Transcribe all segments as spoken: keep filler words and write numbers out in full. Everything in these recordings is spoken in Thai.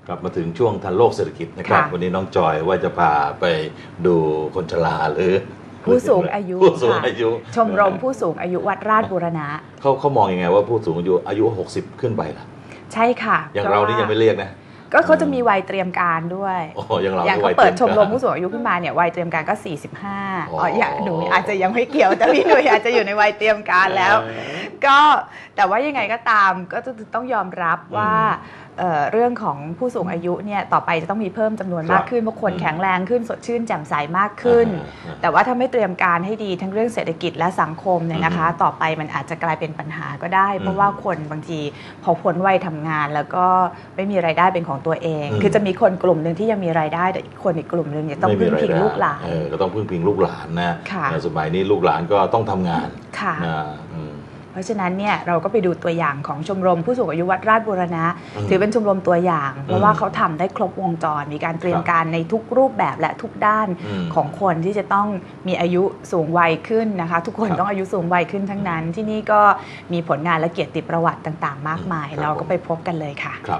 กลับมาถึงช่วงทันโลกเศรษฐกิจนะครับวันนี้น้องจอยว่าจะพาไปดูคนชราหรือผู้สูงอายุผู้สูงอายุชมรมผู้สูงอายุวัดราชบูรณะเขาเขามองยังไงว่าผู้สูงอายุอายุหกสิบขึ้นไปล่ะใช่ค่ะอย่างเรานี่ยังไม่เรียกนะก็เขาจะมีวัยเตรียมการด้วยอ๋ออย่างเราอย่างเขาเปิดชมรมผู้สูงอายุขึ้นมาเนี่ยวัยเตรียมการก็สี่สิบห้าอ๋ออย่างหนูอาจจะยังไม่เกี่ยวแต่พี่หนุ่ยอาจจะอยู่ในวัยเตรียมการแล้วก็แต่ว่ายังไงก็ตามก็จะต้องยอมรับว่าเรื่องของผู้สูงอายุเนี่ยต่อไปจะต้องมีเพิ่มจำนวนมากขึ้นเพราะคนแข็งแรงขึ้นสดชื่นแจ่มใสมากขึ้นแต่ว่าถ้าไม่เตรียมการให้ดีทั้งเรื่องเศรษฐกิจและสังคมเนี่ยนะคะต่อไปมันอาจจะกลายเป็นปัญหาก็ได้เพราะว่าคนบางทีพอพ้นวัยทำงานแล้วก็ไม่มีรายได้เป็นของตัวเองคือจะมีคนกลุ่มหนึ่งที่ยังมีรายได้แต่อีกคนอีกกลุ่มหนึ่งเนี่ยต้องพึ่งพิงลูกหลานก็ต้องพึ่งพิงลูกหลานนะในสมัยนี้ลูกหลานก็ต้องทำงานนะเพราะฉะนั้นเนี่ยเราก็ไปดูตัวอย่างของชมรมผู้สูงอายุวัดราชบูรณะถือเป็นชมรมตัวอย่างเพราะว่าเขาทำได้ครบวงจรมีการเตรียมการในทุกรูปแบบและทุกด้านของคนที่จะต้องมีอายุสูงวัยขึ้นนะคะทุกคนต้องอายุสูงวัยขึ้นทั้งนั้นที่นี่ก็มีผลงานและเกียรติประวัติต่างๆมากมายเราก็ไปพบกันเลยค่ะครับ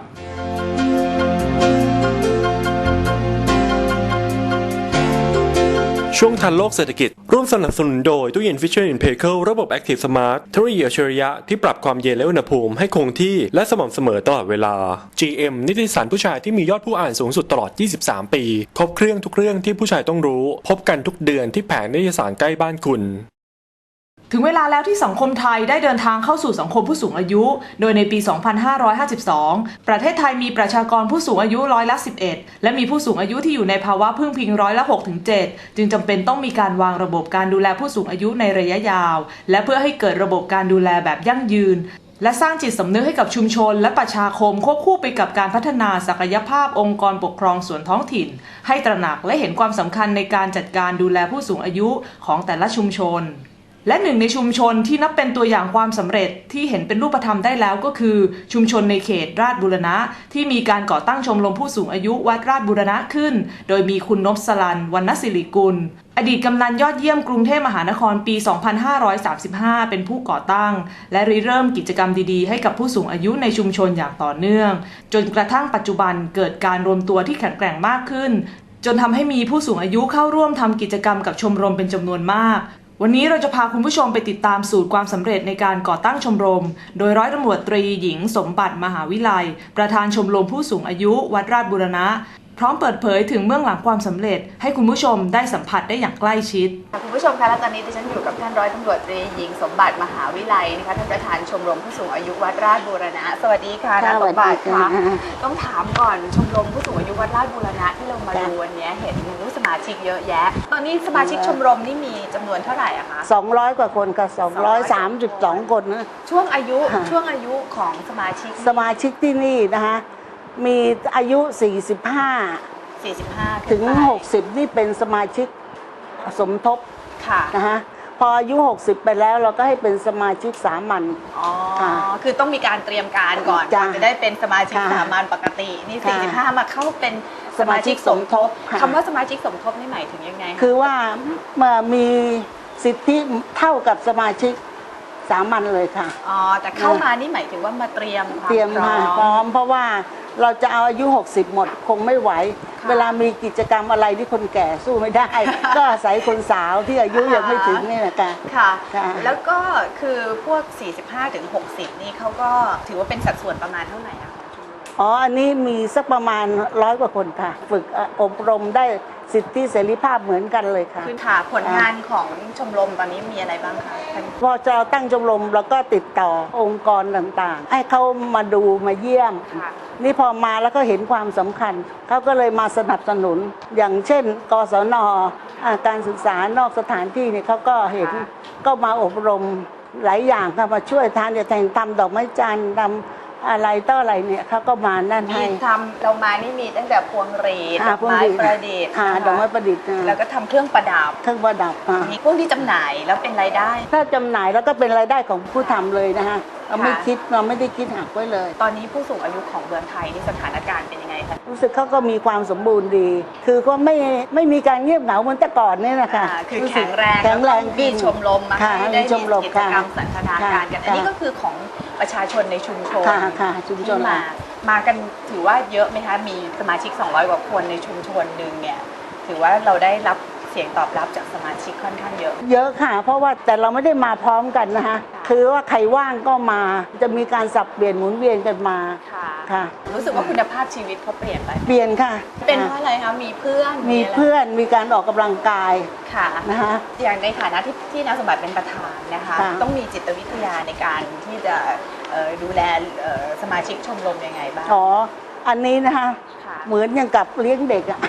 ช่วงทันโลกเศรษฐกิจร่วมสนับสนุนโดยตู้เย็น Fisher แอนด์ Paykel ระบบ Active Smart เทคโนโลยีอัจฉริยะที่ปรับความเย็นและอุณหภูมิให้คงที่และสม่ำเสมอตลอดเวลา จี เอ็ม นิตยสารผู้ชายที่มียอดผู้อ่านสูงสุดตลอดยี่สิบสามปีครบเครื่องทุกเรื่องที่ผู้ชายต้องรู้พบกันทุกเดือนที่แผงนิตยสารใกล้บ้านคุณถึงเวลาแล้วที่สังคมไทยได้เดินทางเข้าสู่สังคมผู้สูงอายุโดยในปี สองพันห้าร้อยห้าสิบสอง ประเทศไทยมีประชากรผู้สูงอายุร้อยละ สิบเอ็ด และมีผู้สูงอายุที่อยู่ในภาวะพึ่งพิงร้อยละ หกถึงเจ็ด จึงจำเป็นต้องมีการวางระบบการดูแลผู้สูงอายุในระยะยาวและเพื่อให้เกิดระบบการดูแลแบบยั่งยืนและสร้างจิตสำนึกให้กับชุมชนและประชาคมควบคู่ไปกับการพัฒนาศักยภาพองค์กรปกครองส่วนท้องถิ่นให้ตระหนักและเห็นความสำคัญในการจัดการดูแลผู้สูงอายุของแต่ละชุมชนและหนึ่งในชุมชนที่นับเป็นตัวอย่างความสำเร็จที่เห็นเป็นรูปธรรมได้แล้วก็คือชุมชนในเขตราชบูรณะที่มีการก่อตั้งชมรมผู้สูงอายุวัดราชบูรณะขึ้นโดยมีคุณนพสลันวรรณศิริกุลอดีตกำนันยอดเยี่ยมกรุงเทพมหานครปี สองพันห้าร้อยสามสิบห้า เป็นผู้ก่อตั้งและริเริ่มกิจกรรมดีๆให้กับผู้สูงอายุในชุมชนอย่างต่อเนื่องจนกระทั่งปัจจุบันเกิดการรวมตัวที่แข็งแกร่งมากขึ้นจนทำให้มีผู้สูงอายุเข้าร่วมทำกิจกรรมกับชมรมเป็นจำนวนมากวันนี้เราจะพาคุณผู้ชมไปติดตามสูตรความสำเร็จในการก่อตั้งชมรมโดยร้อยตำรวจตรีหญิงสมบัติมหาวิไลประธานชมรมผู้สูงอายุวัดราชบูรณะพร้อมเปิดเผยถึงเบื้องหลังความสำเร็จให้คุณผู้ชมได้สัมผัสได้อย่างใกล้ชิดคุณผู้ชมคะและตอนนี้ดิฉันอยู่กับท่านร้อยตำรวจตรีหญิงสมบัติมหาวิไลนะคะท่านประธานชมรมผู้สูงอายุวัดราชบูรณะสวัสดีค่ะท่านสมบัติค่ะต้องถามก่อนชมรมผู้สูงอายุวัดราชบูรณะที่เรามาดูวันนี้เห็นมีสมาชิกเยอะแยะตอนนี้สมาชิกชมรมนี่มีจำนวนเท่าไหร่อะคะสองร้อยกว่าคนค่ะสองร้อยสามสิบสองคนนะช่วงอายุช่วงอายุของสมาชิกสมาชิกที่นี่นะคะมีอายุสี่สิบห้าถึงหกสิบนี่เป็นสมาชิกสมทบนะคะพออายุหกสิบไปแล้วเราก็ให้เป็นสมาชิกสามัญอ๋อคือต้องมีการเตรียมการก่อนจะได้เป็นสมาชิกสามัญปกตินี่สี่สิบห้ามาเข้าเป็นสมาชิกสมทบคำว่าสมาชิกสมทบนี่หมายถึงยังไงคือว่ามีสิทธิเท่ากับสมาชิกสามัญเลยค่ะอ๋อแต่เข้ามานี่หมายถึงว่ามาเตรียมเตรียมพร้อมเพราะว่าเราจะเอาอายุหกสิบหมดคงไม่ไหวเวลามีกิจกรรมอะไรที่คนแก่สู้ไม่ได้ ก็อาศัยคนสาวที่อายุยังไม่ถึงนี่แหละค่ะค่ะแล้วก็คือพวกสี่สิบห้าถึงหกสิบนี่เขาก็ถือว่าเป็นสัดส่วนประมาณเท่าไหร่อะอ๋ออันนี้มีสักประมาณร้อยกว่าคนค่ะฝึกอบรมได้สิทธิเสรีภาพเหมือนกันเลยค่ะคือค่ะผลงานของชมรมตอนนี้มีอะไรบ้างคะพอจะตั้งชมรมเราก็ติดต่อองค์กรต่างๆให้เขามาดูมาเยี่ยมนี่พอมาแล้วก็เห็นความสำคัญเขาก็เลยมาสนับสนุนอย่างเช่นกศน.การศึกษานอกสถานที่เนี่ยเขาก็เห็นก็มาอบรมหลายอย่างค่ะมาช่วยทานจะแต่งทำดอกไม้จันทร์ทำอะไรต่ออะไรเนี่ยเขาก็มานั่นให้ทำเรามานี่มีตั้งแต่พวงหรีดดอกไม้ประดิษฐ์ดอกไม้ประดิษฐ์แล้วก็ทำเครื่องประดับเครื่องประดับมีพวกที่จำหน่ายแล้วเป็นรายได้ถ้าจำหน่ายแล้วก็เป็นรายได้ของผู้ทำเลยนะคะเราไม่คิดเราไม่ได้คิดหักไว้เลยตอนนี้ผู้สูงอายุของเมืองไทยนี่สถานการณ์เป็นยังไงคะรู้สึกเขาก็มีความสมบูรณ์ดีคือก็ไม่ไม่มีการเงียบเหงาเหมือนแต่ก่อนนี่นะคะคือแข็งแรงแข็งแรงมีชมรมมาให้ได้มีกิจกรรมสันทนาการกันอันนี้ก็คือของประชาชนในชุมชนชุมชนมามากันถือว่าเยอะไหมคะมีสมาชิกสองร้อยกว่าคนในชุมชนหนึ่งเนี่ยถือว่าเราได้รับเสียงตอบรับจากสมาชิกค่อนข้างเยอะเยอะค่ะเพราะว่าแต่เราไม่ได้มาพร้อมกันนะคะคือว่าใครว่างก็มาจะมีการสับเปลี่ยนหมุนเวียนกันมาค่ะรู้สึกว่าคุณภาพชีวิตเขาเปลี่ยนไปเปลี่ยนค่ะเป็นเพราะอะไรคะมีเพื่อนมีเพื่อนมีการออกกำลังกายค่ะนะคะอย่างในฐานะที่ที่นางสมบัติเป็นประธานนะคะต้องมีจิตวิทยาในการที่จะดูแลสมาชิกชมรมยังไงบ้างอ๋ออันนี้นะคะเหมือนอย่างกับเลี้ยงเด็กอะ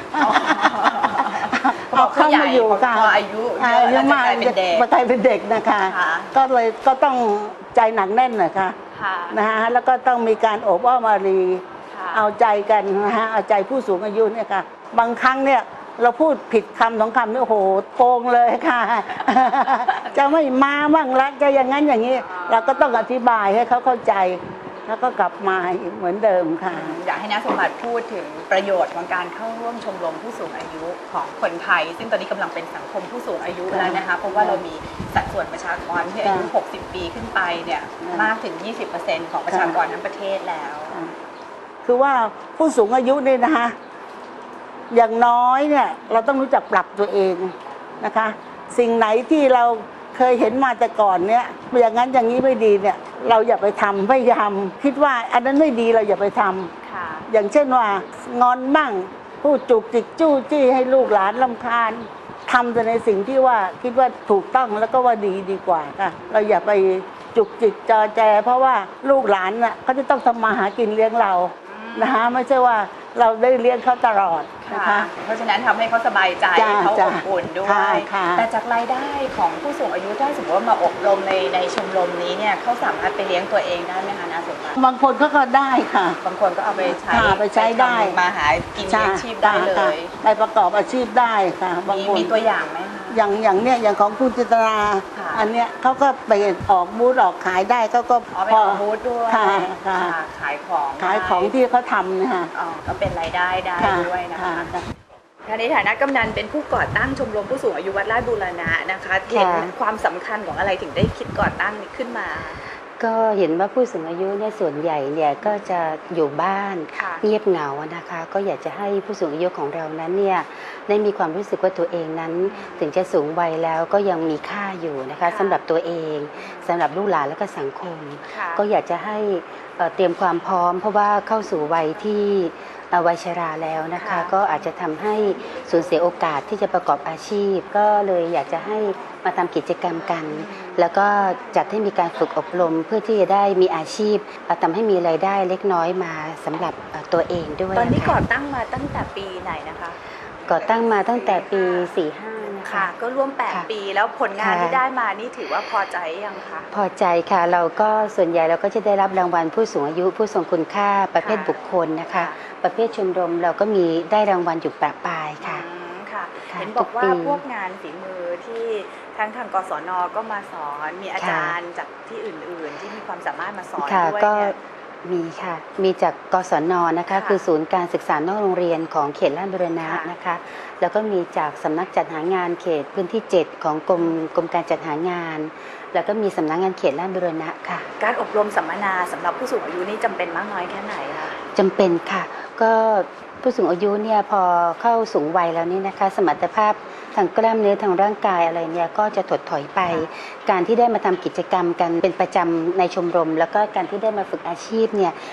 เอาเข้ามาอยู่ค่ะอายุอายุมากมากลายเป็นเด็กนะคะก็เลยก็ต้องใจหนักแน่นหน่อยค่ะนะคะแล้วก็ต้องมีการโอบอ้อมอารีเอาใจกันนะคะเอาใจผู้สูงอายุเนี่ยค่ะบางครั้งเนี่ยเราพูดผิดคำสองคำนี่โอ้โหโกงเลยค่ะจะไม่มาบ้างละจะอย่างนั้นอย่างนี้เราก็ต้องอธิบายให้เขาเข้าใจแล้วก็กลับมาเหมือนเดิมค่ะอยากให้น้าสมบัติพูดถึงประโยชน์ของการเข้าร่วมชมรมผู้สูงอายุของคนไทยซึ่งตอนนี้กำลังเป็นสังคมผู้สูงอายุแล้วนะคะเพราะว่าเรามีสัดส่วนประชากรที่อายุหกสิบปีขึ้นไปเนี่ยมากถึง ยี่สิบเปอร์เซ็นต์ ของประชากรทั้งประเทศแล้วคือว่าผู้สูงอายุเนี่ยนะคะอย่างน้อยเนี่ยเราต้องรู้จักปรับตัวเองนะคะสิ่งไหนที่เราเคยเห็นมาแต่ก่อนเนี่ยอย่างนั้นอย่างนี้ไม่ดีเนี่ยเราอย่าไปทำพยายามคิดว่าอันนั้นไม่ดีเราอย่าไปทำอย่างเช่นว่างอนมั่งพูดจุกจิกจู้จี้ให้ลูกหลานรำคาญทำแต่ในสิ่งที่ว่าคิดว่าถูกต้องแล้วก็ว่าดีดีกว่าค่ะเราอย่าไปจุกจิกจอแจเพราะว่าลูกหลานน่ะเขาจะต้องทำมาหากินเลี้ยงเรานะคะไม่ใช่ว่าเราได้เลี้ยงเขาตลอดนะคะเพราะฉะนั้นทำให้เขาสบายใจเขาอบอุ่นด้วยแต่จากรายได้ของผู้สูงอายุถ้าสมมติว่ามาอบรมในในชมรมนี้เนี่ยเขาสามารถไปเลี้ยงตัวเองได้ไหมคะน้าสมบัติบางคนก็ก็ได้ค่ะบางคนก็เอาไปใช้ไปใช้ได้มาหากินเลี้ยงชีพได้เลยไปประกอบอาชีพได้ค่ะบางคนมีตัวอย่างไหมคะอย่างอย่างเนี้ยอย่างของคุณจิตราอันเนี้ยเขาก็ไปออกบูธออกขายได้เขาก็พอบูธด้วยขายของขายของที่เขาทำนะคะก็เป็นรายได้ได้ด้วยนะคะในฐานะกำนันเป็นผู้ก่อตั้งชมรมผู้สูงอายุวัดลาดบูรณะนะคะเห็นความสำคัญของอะไรถึงได้คิดก่อตั้งนี้ขึ้นมาก็เห็นว่าผู้สูงอายุเนี่ยส่วนใหญ่เนี่ยก็จะอยู่บ้านเงียบเหงานะคะก็อยากจะให้ผู้สูงอายุของเรานั้นเนี่ยได้มีความรู้สึกว่าตัวเองนั้นถึงจะสูงวัยแล้วก็ยังมีค่าอยู่นะคะสำหรับตัวเองสำหรับลูกหลานและก็สังคมก็อยากจะให้เตรียมความพร้อมเพราะว่าเข้าสู่วัยที่วัยชราแล้วนะคะก็อาจจะทำให้สูญเสียโอกาสที่จะประกอบอาชีพก็เลยอยากจะให้มาทำกิจกรรมกันแล้วก็จัดให้มีการฝึกอบรมเพื่อที่จะได้มีอาชีพทำให้มีรายได้เล็กน้อยมาสำหรับตัวเองด้วยตอนนี้ก่อตั้งมาตั้งแต่ปีไหนนะคะก่อตั้งมาตั้งแต่ปีสี่สิบห้าค่ะก็ร่วมแปดปีแล้วผลงานที่ได้มานี่ถือว่าพอใจยังคะพอใจค่ะเราก็ส่วนใหญ่เราก็จะได้รับรางวัลผู้สูงอายุผู้ทรงคุณค่าประเภทบุคคลนะคะประเภทชมรมเราก็มีได้รางวัลอยู่ประปรายค่ะค่ะเห็นบอกว่าพวกงานฝีมือที่ทางทางกศน.ก็มาสอนมีอาจารย์จากที่อื่นๆที่มีความสามารถมาสอนด้วยเนี่ยมีค่ะมีจากกศน.นะคะคือศูนย์การศึกษานอกโรงเรียนของเขตลาดบูรณะนะคะแล้วก็มีจากสำนักจัดหางานเขตพื้นที่เจ็ดของกรมกรมการจัดหางานแล้วก็มีสำนักงานเขตลาดบูรณะค่ะการอบรมสัมมนาสำหรับผู้สูงอายุนี่จำเป็นมากน้อยแค่ไหนคะจำเป็นค่ะก็ผู้สูงอายุเนี่ยพอเข้าสูงวัยแล้วนี่นะคะสมรรถภาพทางกล้ามเนื้อทางร่างกายอะไรเนี่ยก็จะถดถอยไปการที่ได้มาทำกิจกรรมกันเป็นประจำในชมรมแล้วก็การที่ได้มาฝึกอาชีพเนี่ย